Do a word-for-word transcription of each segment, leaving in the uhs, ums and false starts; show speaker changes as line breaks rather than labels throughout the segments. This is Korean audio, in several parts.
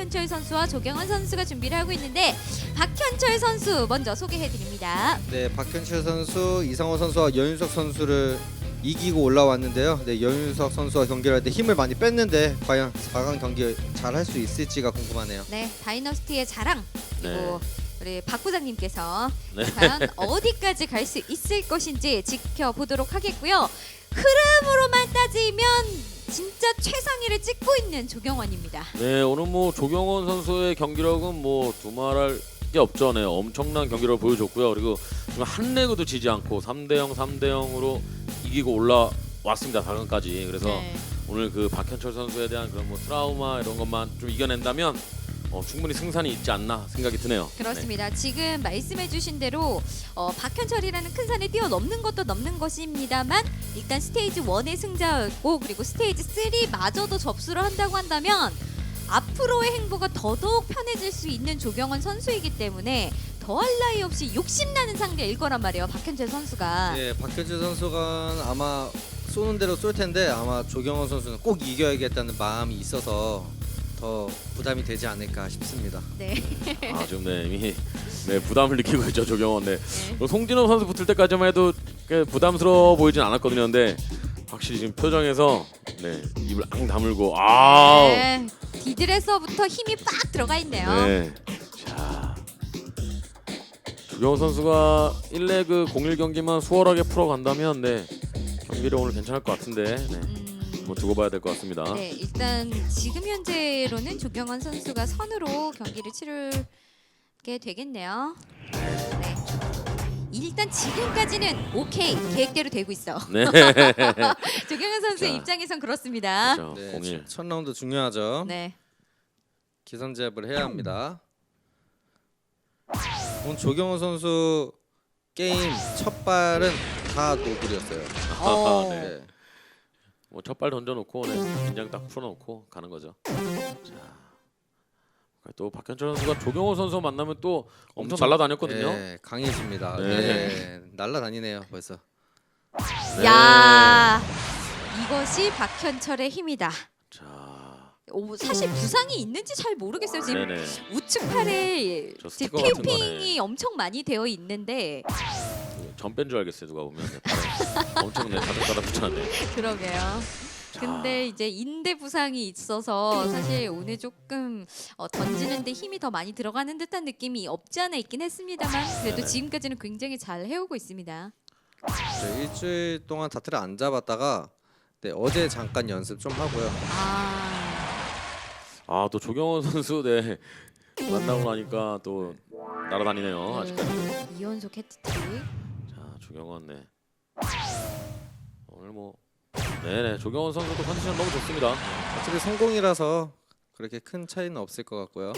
박현철 선수와 조경원 선수가 준비를 하고 있는데 박현철 선수 먼저 소개해 드립니다.
네, 박현철 선수, 이상호 선수와 연윤석 선수를 이기고 올라왔는데요. 네, 연윤석 선수와 경기를 할 때 힘을 많이 뺐는데 과연 사 강 경기 잘 할 수 있을지가 궁금하네요.
네, 다이너스티의 자랑 그리고
네.
우리 박 부장님께서
네.
과연 어디까지 갈 수 있을 것인지 지켜보도록 하겠고요. 흐름으로만 따지면 진짜 최상위를 찍고 있는 조경원입니다.
네, 오늘 뭐 조경원 선수의 경기력은 뭐 두말할 게 없죠. 네, 엄청난 경기력을 보여줬고요. 그리고 지금 한 레그도 지지 않고 삼 대 영, 삼 대 영으로 이기고 올라왔습니다. 사 강까지. 그래서
네.
오늘 그 박현철 선수에 대한 그런 뭐 트라우마 이런 것만 좀 이겨낸다면 어, 충분히 승산이 있지 않나 생각이 드네요.
그렇습니다. 지금 말씀해주신 대로 어, 박현철이라는 큰 산을 뛰어넘는 것도 넘는 것입니다만 일단 스테이지 일의 승자였고 그리고 스테이지 삼마저도 접수를 한다고 한다면 앞으로의 행보가 더더욱 편해질 수 있는 조경원 선수이기 때문에 더할 나위 없이 욕심나는 상대일 거란 말이에요. 박현철 선수가.
네, 박현철 선수가 아마 쏘는 대로 쏠 텐데 아마 조경원 선수는 꼭 이겨야겠다는 마음이 있어서 더 부담이 되지 않을까 싶습니다.
네.
아, 지금 네, 이미 네, 부담을 느끼고 있죠, 조경원. 네.
네.
어, 송진호 선수 붙을 때까지만 해도 꽤 부담스러워 보이진 않았거든요. 근데 확실히 지금 표정에서 네, 입을 앙 다물고 아.
네. 디드에서부터 힘이 빡 들어가 있네요.
네. 자. 조경원 선수가 일 레그 공일 경기만 수월하게 풀어간다면 네. 경기를 오늘 괜찮을 것 같은데. 네.
음,
뭐 두고 봐야 될 것 같습니다.
네, 일단 지금 현재로는 조경원 선수가 선으로 경기를 치르게 되겠네요. 네. 일단 지금까지는 오케이 계획대로 되고 있어.
네.
조경원 선수의
자.
입장에선 그렇습니다.
그렇죠.
네,
공일.
첫 라운드 중요하죠.
네.
기선제압을 해야 합니다. 오늘 조경원 선수 게임 첫 발은 다 노블이었어요.
어.
네.
네.
뭐 첫 발 던져놓고 네, 긴장 딱 풀어놓고 가는 거죠. 자, 또 박현철 선수가 조경호 선수 만나면 또 엄청 날라다녔거든요.
네, 강해집니다.
네.
네. 날라다니네요 벌써.
네.
야, 이것이 박현철의 힘이다.
자,
오, 사실 부상이 있는지 잘 모르겠어요. 지금
네네.
우측 팔에
저
지금
스티커 같은
피우핑이
거네.
엄청 많이 되어 있는데
전뺀 줄 알겠어요. 누가 보면 네, 팔에 엄청 네, 가득가득 붙였네.
그러게요.
자,
근데 이제 인대 부상이 있어서 사실 오늘 조금 어, 던지는데 힘이 더 많이 들어가는 듯한 느낌이 없지 않아 있긴 했습니다만 그래도
네네.
지금까지는 굉장히 잘 해오고 있습니다.
네, 일주일 동안 다트를 안 잡았다가 네, 어제 잠깐 연습 좀 하고요.
아,
아, 또 조경호 선수 네 만나고 나니까 또 날아다니네요. 아직까지.
네, 이연속 해트트릭.
자, 조경원 네. 오늘 뭐 네네 조경원 선수도 컨디션 너무 좋습니다.
어차피 성공이라서 그렇게 큰 차이는 없을 것 같고요.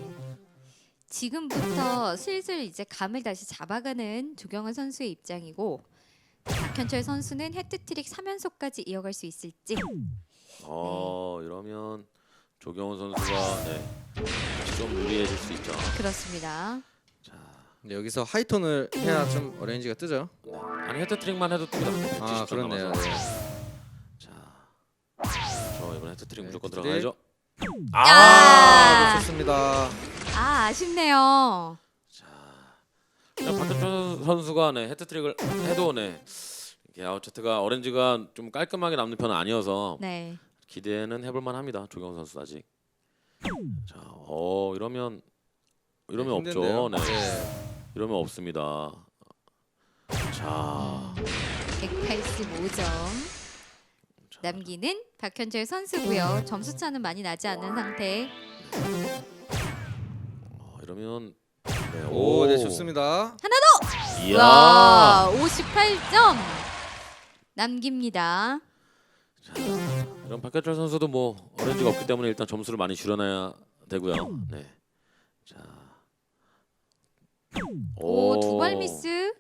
지금부터 슬슬 이제 감을 다시 잡아가는 조경원 선수의 입장이고 박현철 선수는 해트트릭 삼 연속까지 이어갈 수 있을지.
어 이러면 조경원 선수가 네, 좀 유리해질 수 있죠.
그렇습니다.
자,
네, 여기서 하이톤을 해야 좀 어레인지가 뜨죠.
네. 아니 헤트트릭만 해도 뜹니다.
아, 그렇네요. 네.
자, 저 이번 헤트트릭
네,
무조건
헤트트릭.
들어가야죠.
야!
아, 놓쳤습니다.
아, 아쉽네요.
자, 그냥 박현철 선수가 네 헤트트릭을 해도 네 이게 아웃체트가 어렌지가 좀 깔끔하게 남는 편은 아니어서
네.
기대는 해볼만 합니다. 조경원 선수 아직. 자, 어 이러면 이러면 없죠.
힘든데요.
네.
네.
이러면 없습니다. 자,
백팔십오 점
자,
남기는 박현철 선수고요. 점수 차는 많이 나지 않은 상태.
어, 이러면 네,
오, 네 좋습니다.
이야.
와, 오십팔 점 남깁니다.
자, 이런 박현철 선수도 뭐 어렌지가 없기 때문에 일단 점수를 많이 줄여놔야 되고요. 네. 자,
오, 두 발 미스.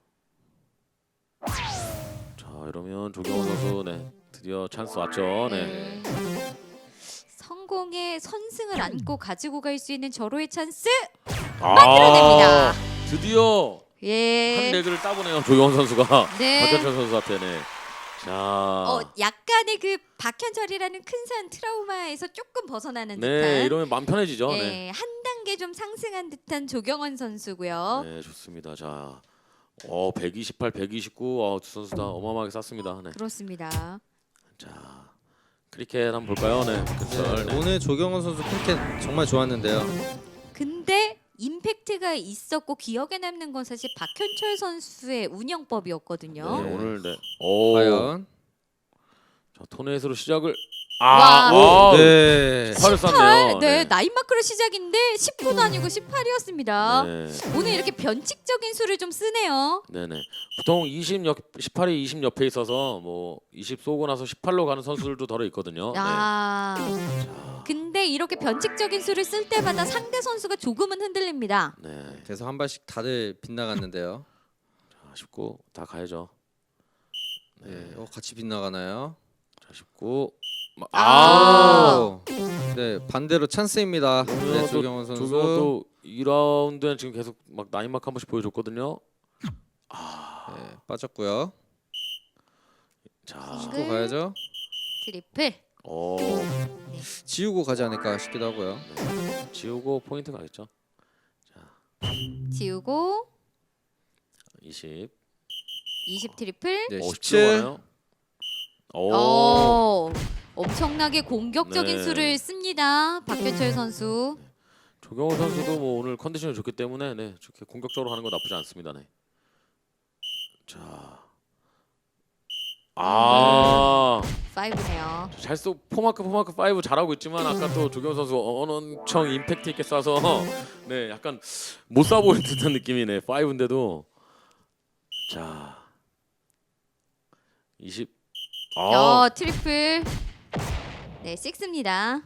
자, 이러면 조경호 선수 네 드디어 찬스 왔죠. 네.
네. 성공의 선승을 안고 가지고 갈 수 있는 절호의 찬스
아,
만들어냅니다.
드디어 한
예.
레그를 따보네요. 조경호 선수가
네.
박현철 선수한테 네. 자,
어, 약간의 그 박현철이라는 큰 산 트라우마에서 조금 벗어나는
네,
듯한
이러면 마음 편해지죠.
예,
네.
한 단계 좀 상승한 듯한 조경원 선수고요.
네, 좋습니다. 자, 어, 백이십팔, 백이십구, 어, 두 선수 다 어마어마하게 쌌습니다. 네.
그렇습니다.
자, 크리켓 한번 볼까요? 네, 박현철.
네,
네.
오늘 조경원 선수 크리켓 정말 좋았는데요.
근데 임팩트가 있었고 기억에 남는 건 사실 박현철 선수의 운영법이었거든요.
네, 오늘 네. 오.
과연
자, 토넷으로 시작을
와.
아, 와,
네.
팔을 쌌네요.
네, 나인 마크로 시작인데 십구도 아니고 십팔이었습니다.
네.
오늘 이렇게 변칙적인 수를 좀 쓰네요.
네네. 보통 이십 옆, 십팔이 이십 옆에 있어서 뭐 이십 쏘고 나서 십팔로 가는 선수들도 덜어 있거든요.
아.
자,
근데 이렇게 변칙적인 수를 쓸 때마다 상대 선수가 조금은 흔들립니다.
네.
그래서 한 발씩 다들 빗나갔는데요.
자, 십구 다 가야죠.
네, 어, 같이 빗나가나요?
자, 십구. 마-
아.
아.
오! 네, 반대로 찬스입니다. 네,
그러면 또
조경원 선수.
조경원도 이 라운드에 지금 계속 막 나인마크 한 번씩 보여줬거든요.
네, 빠졌고요.
자,
싱글.
또 가야죠.
트리플.
어,
지우고 가지 않을까 싶기도 하고요.
지우고 포인트 가겠죠.
지우고
이십.
이십 트리플.
네,
어,
십칠.
가나요? 오.
어, 엄청나게 공격적인
네.
수를 씁니다. 박현철 선수.
조경호 선수도 뭐 오늘 컨디션이 좋기 때문에 네, 저렇게 공격적으로 하는 거 나쁘지 않습니다. 네. 자, 아,
파이브네요.
잘쏘 포마크 포마크 파이브 잘하고 있지만 아까 또 조경호 선수 엄청 임팩트 있게 쏴서 네, 약간 못 쏴 보이는 듯한 느낌이네. 파이브인데도 자, 이십. 아,
어, 트리플. 네, 식스입니다.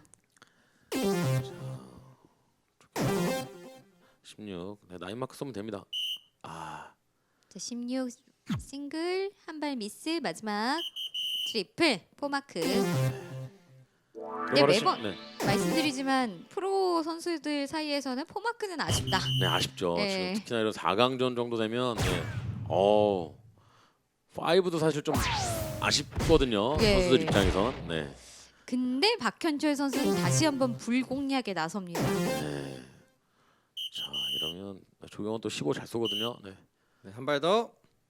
십육. 네, 나인 마크 쏘면 됩니다. 아,
자, 십육 싱글 한 발 미스 마지막 트리플 포마크.
그럼
네,
바로
매번-
십- 네,
말씀드리지만 프로 선수들 사이에서는 포마크는 아쉽다.
네 아쉽죠.
네.
지금 특히나 이런 사 강전 정도 되면 네. 어, 파이브도 사실 좀 아쉽거든요.
네.
선수들 입장에선. 네.
근데 박현철 선수는 다시 한번 불공략에 나섭니다.
네. 자, 이러면 조경원 또 십오 잘 쏘거든요. 네.
네, 한 발 더.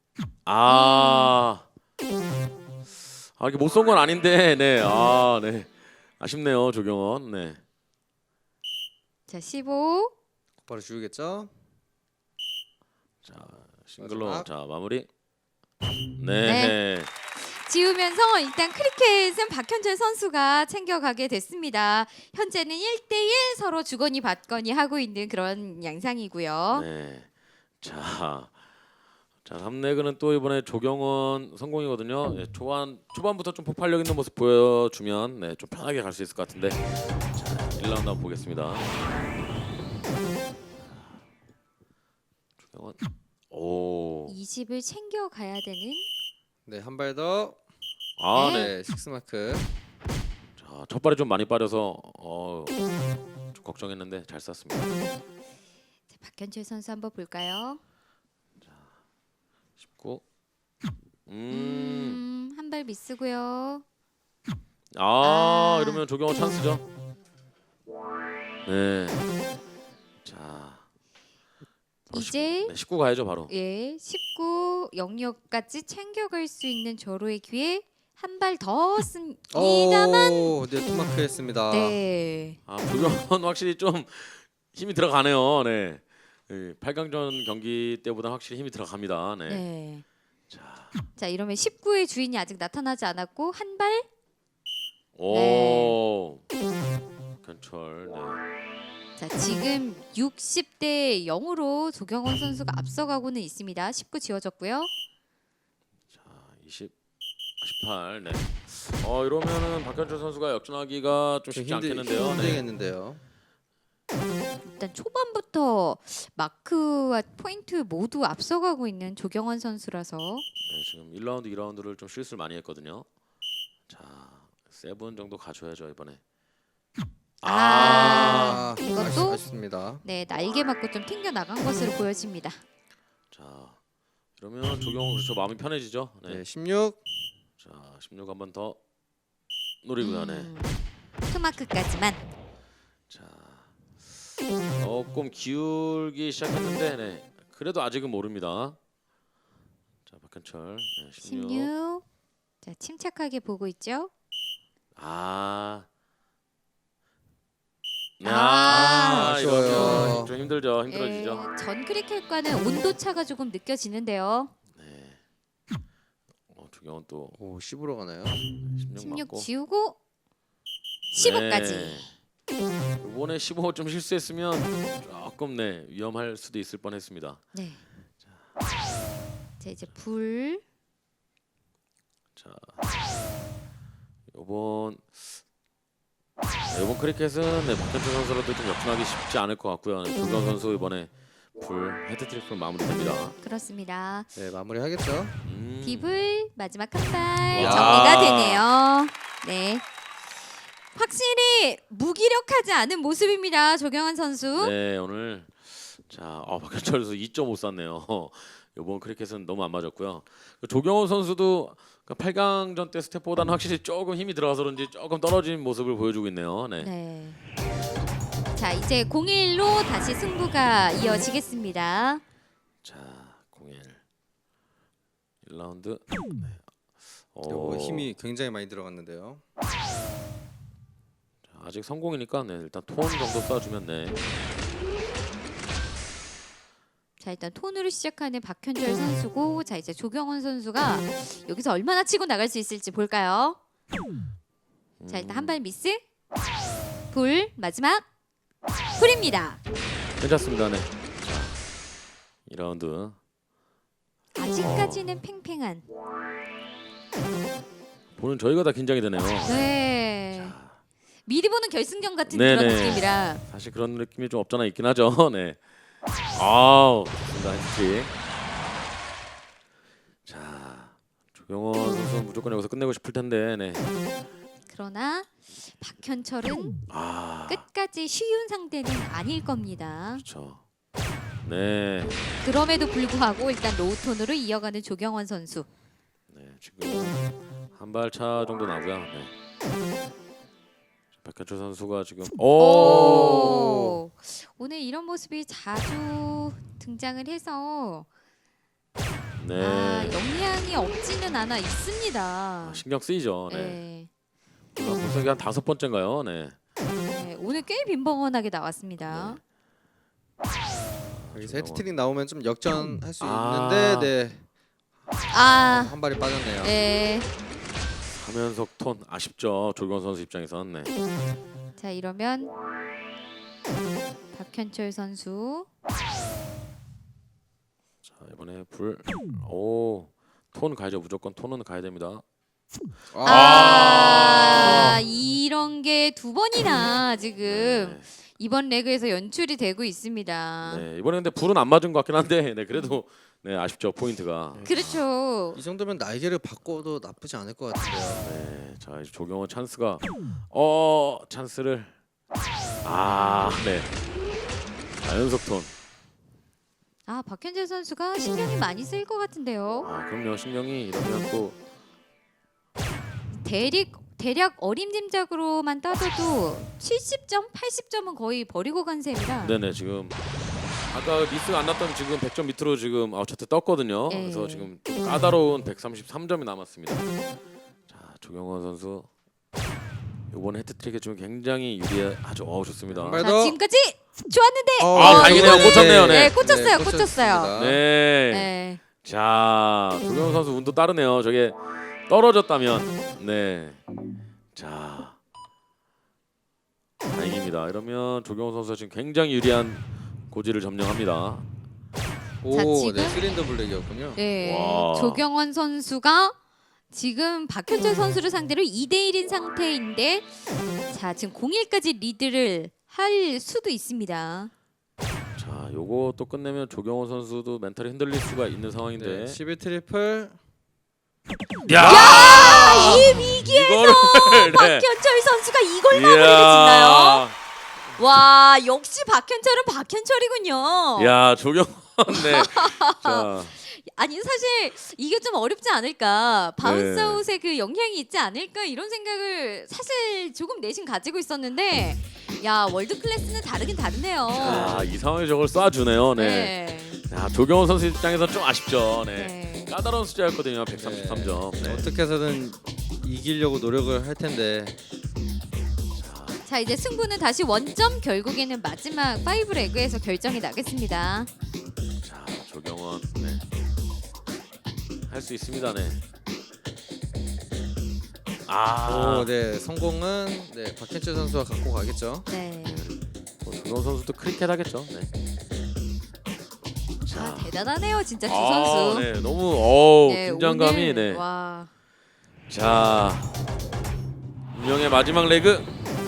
아, 아 이게 못 쏜 건 아닌데, 네, 아, 네, 아쉽네요, 조경원. 네,
자, 십오.
곧바로 지우겠죠.
자 싱글로
마지막.
자 마무리. 네,
지우면서 일단 크리켓은 박현철 선수가 챙겨가게 됐습니다. 현재는 일 대일 서로 주거니 받거니 하고 있는 그런 양상이고요.
네. 자, 자 삼 레그는 또 이번에 조경원 성공이거든요. 네, 초반 초반부터 좀 폭발력 있는 모습 보여주면 네, 좀 편하게 갈 수 있을 것 같은데. 자, 일 라운드 한번 보겠습니다. 조경원. 오.
이십을 챙겨가야 되는
네, 한 발 더.
아,
네.
네.
네, 식스 마크.
자, 첫 발이 좀 많이 빠져서 어, 좀 걱정했는데 잘 쐈습니다.
자, 박현철 선수 한번 볼까요?
십구. 음.
음, 한 발 미스고요.
아,
아.
이러면 조경호 찬스죠. 네. 자. 바로
이제
십, 네, 십구 가야죠, 바로.
예, 십구 영역까지 챙겨갈 수 있는 절호의 기회 한 발 더 씁니다만
오, 네, 투 마크 했습니다.
네.
아, 조경호는 확실히 좀 힘이 들어가네요. 네. 네, 팔 강전 경기 때보다 확실히 힘이 들어갑니다. 네.
네.
자.
자, 이러면 십구의 주인이 아직 나타나지 않았고 한 발.
오. 견철. 네.
자, 지금 육십 대 영으로 조경원 선수가 앞서가고는 있습니다. 십구 지워졌고요.
자, 이십, 십팔. 네. 어, 이러면은 박현철 선수가 역전하기가 좀 쉽지
힘들-
않겠는데요. 네.
힘들겠는데요.
일단 초반부터 마크와 포인트 모두 앞서가고 있는 조경원 선수라서
네, 지금 일 라운드, 이 라운드를 좀 실수를 많이 했거든요. 자, 세븐 정도 가져야죠 이번에.
아,
아,
이것도?
아쉽, 아쉽습니다.
네, 날개 맞고 좀 튕겨 나간 것으로 보여집니다.
자, 그러면 조경호 그렇죠 마음이 편해지죠. 네.
네, 십육.
자, 십육 한 번 더 노리고 가네.
음, 투마크까지만.
자, 조금 기울기 시작했는데, 네. 그래도 아직은 모릅니다. 자, 박현철 네, 십육.
십육. 자, 침착하게 보고 있죠.
아,
아,
아,
아쉬워요.
이러면 좀 힘들죠, 힘들어지죠.
예, 전 크리켓과는 온도 차가 조금 느껴지는데요.
네. 어, 조경은 또
오 십으로 가나요?
십육
십육
맞고.
지우고 십오까지.
네. 이번에 십오 좀 실수했으면 조금 네 위험할 수도 있을 뻔했습니다.
네. 자, 이제 불.
자, 이번 네, 이번 크리켓은 네, 박현철 선수로도 좀 역전하기 쉽지 않을 것 같고요. 네, 조경 선수 이번에 불 헤드트릭으로 마무리됩니다.
그렇습니다.
네 마무리하겠죠.
음.
딥을 마지막 한 발
와.
정리가 되네요. 네. 확실히 무기력하지 않은 모습입니다. 조경환 선수.
네, 오늘 자, 어, 박현철 선수 이 점 오 쐈네요. 이번 크리켓은 너무 안 맞았고요. 조경호 선수도 팔 강전 때 스텝보다는 확실히 조금 힘이 들어가서 그런지 조금 떨어진 모습을 보여주고 있네요. 네.
네. 자, 이제 공일로 다시 승부가 이어지겠습니다.
자, 공일 일 라운드. 네.
오, 힘이 굉장히 많이 들어갔는데요.
자, 아직 성공이니까 네, 일단 톤 정도 쏴주면 네.
자, 일단 톤으로 시작하는 박현철 선수고, 자, 이제 조경원 선수가 여기서 얼마나 치고 나갈 수 있을지 볼까요? 자, 일단 한 발 미스. 불 마지막 불입니다.
괜찮습니다. 네. 자, 이 라운드.
아직까지는 팽팽한.
보는 저희가 다 긴장이 되네요.
네. 미리 보는 결승전 같은
네네.
그런 느낌이라.
사실 그런 느낌이 좀 없잖아 있긴 하죠. 네. 아우, 좋습니다. 헤트트릭. 자, 조경원 선수 무조건 여기서 끝내고 싶을 텐데, 네.
그러나 박현철은
아,
끝까지 쉬운 상대는 아닐 겁니다.
그렇죠. 네,
그럼에도 불구하고 일단 로우톤으로 이어가는 조경원 선수.
네, 지금 한 발 차 정도 나고요. 네. 박현철 선수가 지금 오,
오. 오늘 이런 모습이 자주 등장을 해서
네,
아, 영향이 없지는 않아 있습니다.
아, 신경 쓰이죠. 네,
네.
아, 벌써 이게 한 다섯 번째인가요? 네.
네, 오늘 꽤 빈번하게 나왔습니다.
여기서 헤드트릭 나오면 좀 역전할 수
아.
있는데 네.
아,
한 발이 빠졌네요.
네.
삼 연속 톤 아쉽죠. 조경원 선수 입장에선. 네.
자, 이러면 박현철 선수.
자, 이번에 불. 오, 톤 가야죠. 무조건 톤은 가야 됩니다.
아, 이런 게 두 번이나 지금
네.
이번 레그에서 연출이 되고 있습니다.
네, 이번에 근데 불은 안 맞은 것 같긴 한데, 네, 그래도 네 아쉽죠 포인트가.
그렇죠.
이 정도면 날개를 바꿔도 나쁘지 않을 것 같은데요.
네, 자 이제 조경원 찬스가 어 찬스를 아, 네. 자, 연속 톤.
아, 박현재 선수가 신경이 많이 쓰일 것 같은데요.
아, 그럼요. 신경이 이러면 또
대략 대략 어림짐작으로만 따져도 칠십 점, 팔십 점은 거의 버리고 간 셈이라.
네네 지금 아까 미스가 안 났던 지금 백 점 밑으로 지금 아웃차트 떴거든요.
네.
그래서 지금 좀 까다로운 백삼십삼 점이 남았습니다. 자, 조경원 선수 이번 헤트트릭에 좀 굉장히 유리하죠. 어, 좋습니다.
한 발
자,
더.
지금까지 좋았는데.
어,
아, 다행이네요.
이거는-
꽂혔네요. 네.
네, 꽂혔어요.
네,
꽂혔어요.
꽂혔습니다.
네.
네.
자, 조경원 선수 운도 따르네요. 저게 떨어졌다면, 네. 자, 다행입니다. 이러면 조경원 선수가 지금 굉장히 유리한 고지를 점령합니다.
오,
자, 지금-
네, 쓰린더 블랙이었군요.
네.
와.
조경원 선수가 지금 박현철 선수를 상대로 이 대 일인 상태인데, 자, 지금 공일까지 리드를 할 수도 있습니다.
자, 요거 또 끝내면 조경원 선수도 멘탈이 흔들릴 수가 있는 상황인데.
네, 십일 트리플.
야!
아, 이 위기에서
이거를 네.
박현철 선수가 이걸 마무리를 짓나요? 와, 역시 박현철은 박현철이군요.
야, 조경원 네. 자,
아니 사실 이게 좀 어렵지 않을까 바운스
네.
아웃의 그 영향이 있지 않을까 이런 생각을 사실 조금 내심 가지고 있었는데 야 월드 클래스는 다르긴 다르네요.
아, 이 상황에 저걸 쏴주네요. 네.
네.
자, 조경원 선수 입장에서 좀 아쉽죠. 네.
네.
까다로운 숫자였거든요. 백삼십삼 점. 네.
어떻게 해서든 이기려고 노력을 할 텐데
자 이제 승부는 다시 원점 결국에는 마지막 파이브 레그에서 결정이 나겠습니다.
자, 조경원. 네. 할 수 있습니다. 네. 아,
오, 네 성공은 네 박현철 선수가 갖고 가겠죠.
네.
뭐 조경원 선수도 크리켓 하겠죠. 네.
아 대단하네요 진짜 두
아,
선수.
네, 너무 어
네,
긴장감이
오늘,
네.
와.
자, 운명의 마지막 레그.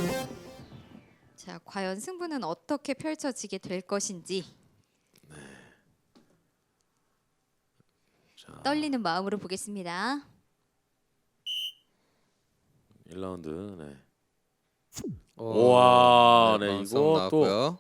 자 과연 승부는 어떻게 펼쳐지게 될 것인지
자,
떨리는 마음으로 보겠습니다.
일 라운드. 네.
오,
우와, 네,
바운스
이거
나왔고요.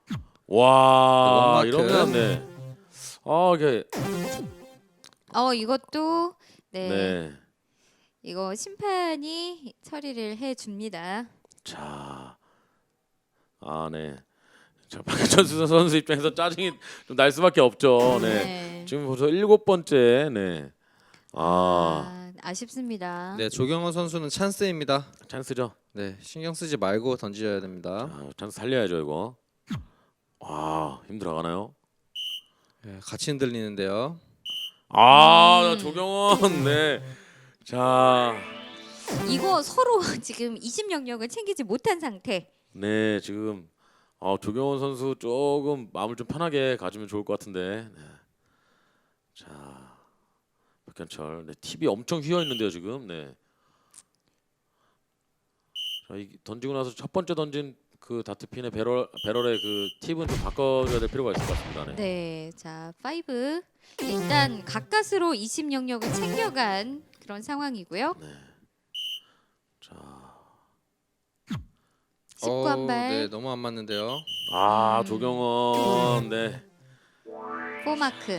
와,
원마크.
이러면 네. 아, 이게
어 이것도 네,
네.
이거 심판이 처리를 해줍니다.
자, 아, 네. 자, 박현철 선수 입장에서 짜증이 좀 날 수밖에 없죠. 네.
네.
지금 벌써 일곱 번째. 네. 아,
아, 아쉽습니다.
네 조경원 선수는 찬스입니다.
찬스죠.
네 신경 쓰지 말고 던져야 됩니다.
아, 찬스 살려야죠 이거. 와, 힘들어가나요?
네, 같이 흔들리는데요.
아,
음.
조경원. 네. 자,
이거 서로 지금 이십 영역을 챙기지 못한 상태.
네, 지금 어, 조경원 선수 조금 마음을 좀 편하게 가지면 좋을 것 같은데. 네. 자, 박현철. 네, 팁이 엄청 휘어 있는데요 지금. 네. 자, 이 던지고 나서 첫 번째 던진 그 다트핀의 배럴 배럴의 그 팁은 좀 바꿔줘야 될 필요가 있을 것 같습니다. 네.
네, 자 파이브 일단 가까스로 이십 영역을 챙겨간 그런 상황이고요.
네. 자,
십구 한
어우,
발,
네 너무 안 맞는데요.
아,
음.
조경원. 네.
포 마크.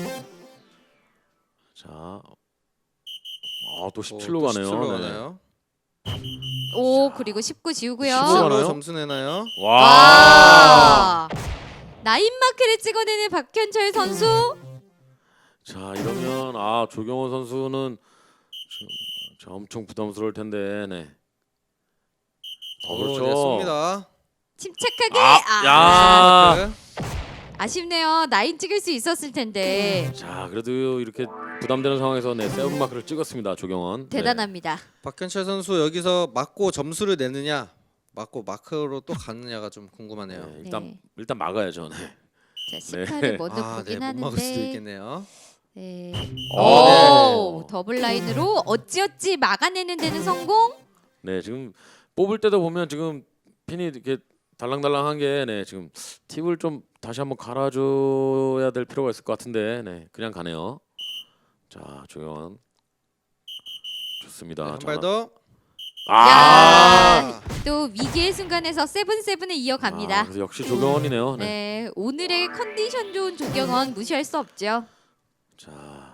자, 아, 또
오,
십칠로
또
가네요.
십칠로
네.
가나요?
오 그리고 십구 지우고요.
십구
십칠로
가나요?
점수 내나요?
와.
와 나인 마크를 찍어내는 박현철 선수.
자, 이러면 아, 조경원 선수는 좀, 자, 엄청 부담스러울 텐데. 네. 어,
오,
그렇죠.
네, 쏩니다.
침착하게.
아,
아,
야.
마크.
아쉽네요. 나인 찍을 수 있었을 텐데.
자, 그래도 이렇게 부담되는 상황에서 네, 세븐 마크를 찍었습니다. 조경원. 네.
대단합니다.
박현철 선수 여기서 맞고 점수를 내느냐, 맞고 마크로 또 가느냐가 좀 궁금하네요.
네, 일단
네.
일단 막아야죠. 네.
자, 십팔을
네.
먼저
아, 네,
보긴
못 막을 수도
하는데.
있겠네요.
네.
어,
오, 더블 라인으로 어찌어찌 막아내는 데는 성공.
네, 지금 뽑을 때도 보면 지금 핀이 이렇게 달랑달랑한 게 네, 지금 팁을 좀 다시 한번 갈아줘야 될 필요가 있을 것 같은데, 네, 그냥 가네요. 자, 조경원 좋습니다.
네, 한
자,
발 더.
아,
야, 또 위기의 순간에서 세븐 세븐을 이어갑니다.
아, 그래서 역시 조경원이네요. 네.
네, 오늘의 컨디션 좋은 조경원 무시할 수 없죠.
자,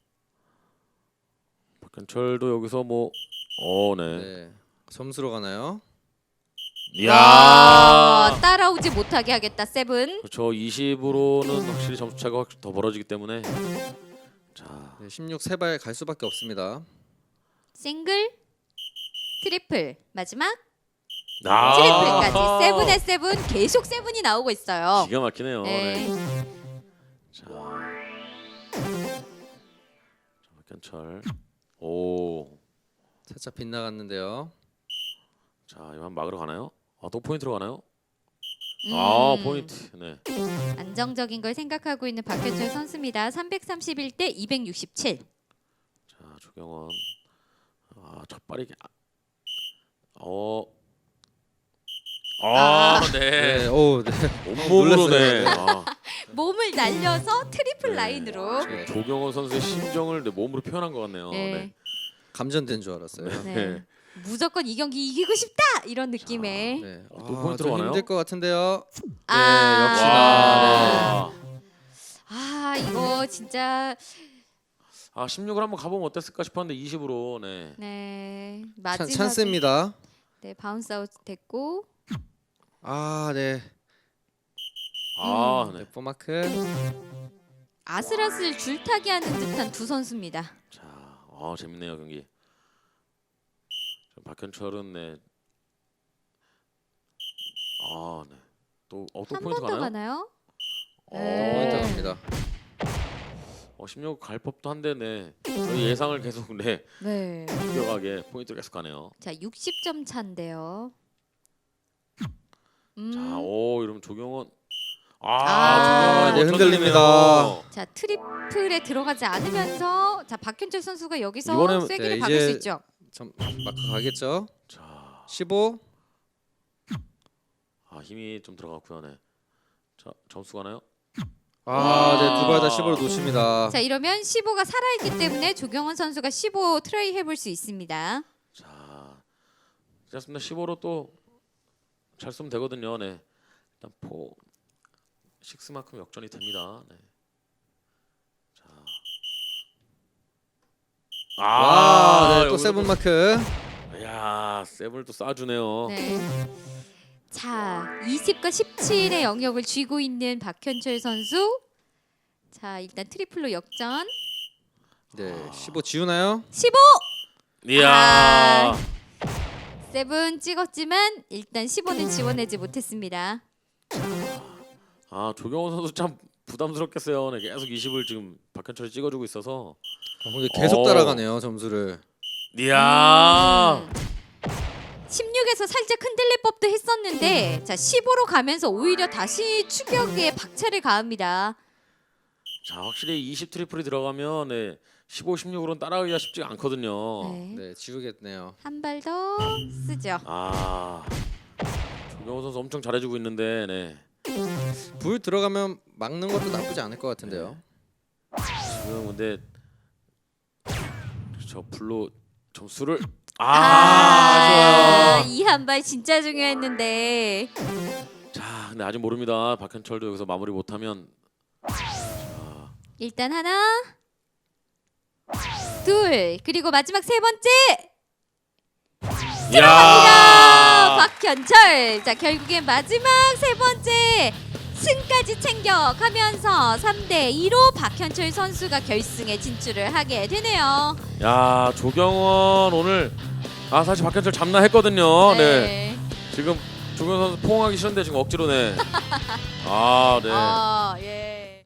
박현철도 여기서 뭐, 어, 네.
네. 점수로 가나요?
이야.
아, 따라오지 못하게 하겠다 세븐.
그렇죠. 이십으로는 확실히 점수 차가 확 더 벌어지기 때문에. 자,
네, 십육 세 발 갈 수밖에 없습니다.
싱글, 트리플 마지막
아.
트리플까지 세븐에 세븐 계속 세븐이 나오고 있어요.
기가 막히네요.
네.
네. 자, 자, 박현철. 오,
살짝 빗나갔는데요.
자, 이거 한 막으러 가나요? 아, 또 포인트로 가나요?
음,
아, 포인트. 네.
안정적인 걸 생각하고 있는 박현철 선수입니다. 삼백삼십일 대 이백육십칠.
자, 조경원. 아, 첫 발이. 아, 어. 아,
아.
네.
네, 오, 네.
온몸으로 네.
놀랐어요.
아,
몸을 날려서 트리플
네.
라인으로.
네.
조경원 선수의 심정을 네, 몸으로 표현한 것 같네요.
네.
네.
감전된 줄 알았어요.
네.
네.
무조건 이 경기 이기고 싶다 이런 느낌의.
네.
또
아,
포인트로
좀
가나요?
힘들 것 같은데요.
아,
역시나,
와.
아 아 이거 진짜
아 십육을 한번 가보면 어땠을까 싶었는데 이십으로 네.
네
찬,
마지막에
찬스입니다.
네 바운스 아웃 됐고
아, 네.
아 네.
네, 포마크.
아슬아슬 줄타기 하는 듯한 두 선수입니다.
자, 어 재밌네요 경기. 자, 박현철은 네. 아 네. 또또 어, 또
한
포인트
번 더
가나요?
가나요?
어,
네.
포인트 갑니다.
어 십육 갈 법도 한데 네. 저희 예상을 계속 네.
네.
비교하게 포인트 계속 가네요.
자 육십 점 차인데요. 음.
자, 오 이러면 조경원.
아,
아,
네,
조경원
흔들립니다.
멋져지네요.
자 트리플에 들어가지 않으면서 자 박현철 선수가 여기서
이번엔-
쐐기를
네,
박을 수
이제-
있죠.
점 마크 가겠죠?
자,
십오.
아 힘이 좀 들어갔고요. 네. 자, 점수 가나요?
아, 네, 두 발 다
아.
십오로 놓습니다.
자 이러면 십오가 살아있기 때문에 조경원 선수가 십오 트라이 해볼 수 있습니다.
자, 괜찮습니다. 십오로 또 잘 쓰면 되거든요. 네. 일단 포 식스만큼 역전이 됩니다. 네. 자.
와, 네, 또
여기서
세븐 마크.
야, 세븐을 또 쏴주네요.
네. 자 이십과 십칠의 영역을 쥐고 있는 박현철 선수. 자 일단 트리플로 역전.
네, 십오 지우나요?
십오.
이야.
아. 세븐 찍었지만 일단 십오는 지원하지 못했습니다.
아, 조경원 선수 참 부담스럽겠어요. 네, 계속 이십을 지금 박현철이 찍어주고 있어서.
어, 근데 계속
어.
따라가네요 점수를.
이야.
음. 십육에서 살짝 흔들릴 법도 했었는데 자 십오로 가면서 오히려 다시 추격에 박차를 가합니다.
자, 확실히 이십 트리플이 들어가면 네, 십오, 십육으로는 따라가기가 쉽지가 않거든요.
네.
네, 지우겠네요.
한 발 더 쓰죠.
아, 조경원 선수 엄청 잘해주고 있는데, 네.
불 들어가면 막는 것도 나쁘지 않을 것 같은데요.
지금 근데 저 불로 점수를 아,
아,
아쉬워요.
이 한 발 진짜 중요했는데.
자, 근데 아직 모릅니다. 박현철도 여기서 마무리 못하면
일단 하나, 둘, 그리고 마지막 세 번째
야,
아, 박현철. 자 결국엔 마지막 세 번째 승까지 챙겨가면서 삼 대 이로 박현철 선수가 결승에 진출을 하게 되네요.
야, 조경원 오늘 아 사실 박현철 잡나 했거든요. 네. 지금 조경원 선수 포옹하기 싫은데 지금 억지로 네. 아, 네.
아, 예.